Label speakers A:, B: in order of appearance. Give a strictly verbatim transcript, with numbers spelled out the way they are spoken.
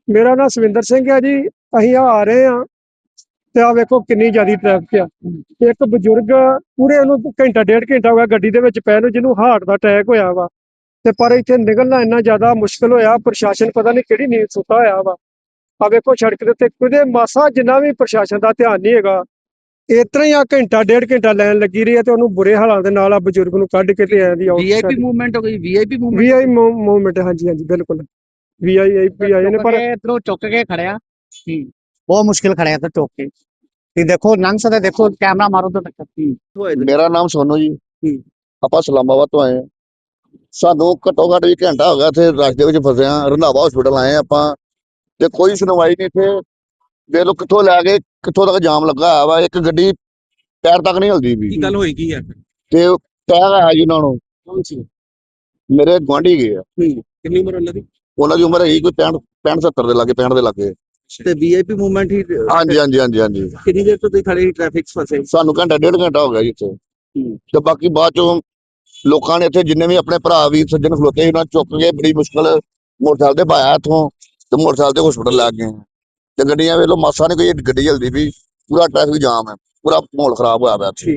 A: ਮੇਰਾ ਨਾਮ ਸਵਿੰਦਰ ਸਿੰਘ ਹੈ ਜੀ। ਅਸੀਂ ਆ ਰਹੇ ਹਾਂ ਤੇ ਆ ਵੇਖੋ ਕਿੰਨੀ ਜ਼ਿਆਦਾ ਟ੍ਰੈਫਿਕ ਆ। ਇੱਕ ਬਜ਼ੁਰਗ ਪੂਰੇ ਉਹਨੂੰ ਘੰਟਾ ਡੇਢ ਘੰਟਾ ਹੋ ਗਿਆ ਗੱਡੀ ਦੇ ਵਿੱਚ ਪੈ ਨੂੰ, ਜਿਹਨੂੰ ਹਾਰਟ ਦਾ ਅਟੈਕ ਹੋਇਆ ਵਾ। ਤੇ ਪਰ ਇੱਥੇ ਨਿਕਲਣਾ ਇੰਨਾ ਜ਼ਿਆਦਾ ਮੁਸ਼ਕਲ ਹੋਇਆ, ਪ੍ਰਸ਼ਾਸਨ ਪਤਾ ਨਹੀਂ ਕਿਹੜੀ ਨੀਂਦ ਸੁੱਤਾ ਹੋਇਆ ਵਾ। ਆ ਵੇਖੋ ਸੜਕ ਦੇ ਉੱਤੇ ਕਿਤੇ ਮਾਸਾ ਜਿੰਨਾ ਵੀ ਪ੍ਰਸ਼ਾਸਨ ਦਾ ਧਿਆਨ ਨਹੀਂ ਹੈਗਾ। ਇਸ ਤਰ੍ਹਾਂ ਹੀ ਆ ਘੰਟਾ ਡੇਢ ਘੰਟਾ ਲਾਈਨ ਲੱਗੀ ਰਹੀ ਹੈ ਤੇ ਉਹਨੂੰ ਬੁਰੇ ਹਾਲਾਂ ਦੇ ਨਾਲ ਆ ਬਜ਼ੁਰਗ ਨੂੰ ਕੱਢ ਕੇ ਤੇ ਆਇਆ ਦੀ
B: ਵੀਆਈਪੀ ਮੂਵਮੈਂਟ ਹੋ ਗਈ, ਵੀਆਈਪੀ ਮੂਵਮੈਂਟ
A: ਵੀਆਈ ਮੂਵਮੈਂਟ। ਹਾਂਜੀ ਹਾਂਜੀ ਬਿਲਕੁਲ ਵੀਆਈਪੀ ਆਏ ਨੇ ਪਰ
B: ਇਧਰੋਂ ਚੁੱਕ ਕੇ ਖੜਿਆ ਬਹੁਤ ਮੁਸ਼ਕਿਲ ਖੜਿਆ ਤੇ ਚੁੱਕ ਕੇ ਤੇ ਦੇਖੋ ਲੰਘ ਸਕਦੇ, ਦੇਖੋ ਕੈਮਰਾ ਮਾਰੋ ਤਾਂ ਤੱਕ।
C: ਮੇਰਾ ਨਾਮ ਸੋਨੂ ਜੀ। ਆਪਾਂ ਇਸਲਾਮਾਬਾਦ ਤੋਂ ਆਏ ਹਾਂ। ਸਾਨੂੰ ਘੱਟੋ ਘੱਟ ਵੀ ਘੰਟਾ ਹੋ ਗਿਆ ਇੱਥੇ ਰਸ਼ ਦੇ ਵਿੱਚ ਫਸੇ ਹਾਂ। ਰੰਧਾਵਾ ਹਸਪੀਟਲ ਆਏ ਆਪਾਂ ਤੇ ਕੋਈ ਸੁਣਵਾਈ ਨਹੀਂ ਇੱਥੇ। ਦੇਖ ਲਓ ਕਿੱਥੋਂ ਲੈ ਕੇ ਕਿੱਥੋਂ ਤੱਕ ਜਾਮ ਲੱਗਾ ਹੋਇਆ ਵਾ। ਇੱਕ ਗੱਡੀ ਪੈਰ ਤੱਕ ਨਹੀਂ ਹਿਲਦੀ ਵੀ।
B: ਕੀ ਗੱਲ ਹੋਈ ਕੀ ਹੈ
C: ਤੇ ਟਾਇਰ ਆਇਆ ਜੀ ਉਹਨਾਂ ਨੂੰ।
B: ਕੌਣ ਸੀ?
C: ਮੇਰੇ ਗੁਆਂਢੀ ਗਏ ਆ।
B: ਕਿੰਨੀ ਉਮਰ ਉਹਨਾਂ ਦੀ?
C: ਉਹਨਾਂ ਦੀ ਉਮਰ ਹੈਗੀ ਕੋਈ ਪੈਂਹਠ ਪੈਂਹਠ ਸੱਤਰ ਦੇ ਲਾਗੇ, ਪੈਂਹਠ ਦੇ ਲਾਗੇ।
B: ਤੇ ਵੀਆਈਪੀ ਮੂਵਮੈਂਟ ਹੀ
C: ਹਾਂਜੀ ਹਾਂਜੀ ਹਾਂਜੀ ਹਾਂਜੀ
B: ਕਿੰਨੀ ਦੇਰ ਤੋਂ ਤੁਸੀਂ ਖੜੇ ਟ੍ਰੈਫਿਕ ਫਸੇ?
C: ਸਾਨੂੰ ਘੰਟਾ ਡੇਢ ਘੰਟਾ ਹੋ ਗਿਆ ਜੀ ਇੱਥੇ। ਤੇ ਬਾਕੀ ਬਾਅਦ ਚੋਂ ਲੋਕਾਂ ਨੇ ਇੱਥੇ ਜਿੰਨੇ ਵੀ ਆਪਣੇ ਭਰਾ ਵੀ ਸੱਜਣ ਖਲੋਤੇ ਸੀ ਉਹਨਾਂ ਚੁੱਕ ਕੇ ਬੜੀ ਮੁਸ਼ਕਲ ਮੋਟਰਸਾਈਕਲ ਤੇ ਪਾਇਆ ਇੱਥੋਂ ਤੇ ਮੋਟਰਸਾਈਕਲ ਤੇ ਹਸਪੀਟਲ ਲੈ ਗਏ ਤੇ ਗੱਡੀਆਂ ਵੇਖ ਲਓ ਮਾਸਾ ਨੇ ਕੋਈ ਗੱਡੀ ਜਲਦੀ ਵੀ। ਪੂਰਾ ਟ੍ਰੈਫਿਕ ਜਾਮ ਹੈ, ਪੂਰਾ ਮਾਹੌਲ ਖਰਾਬ ਹੋਇਆ ਪਿਆ ਇੱਥੇ।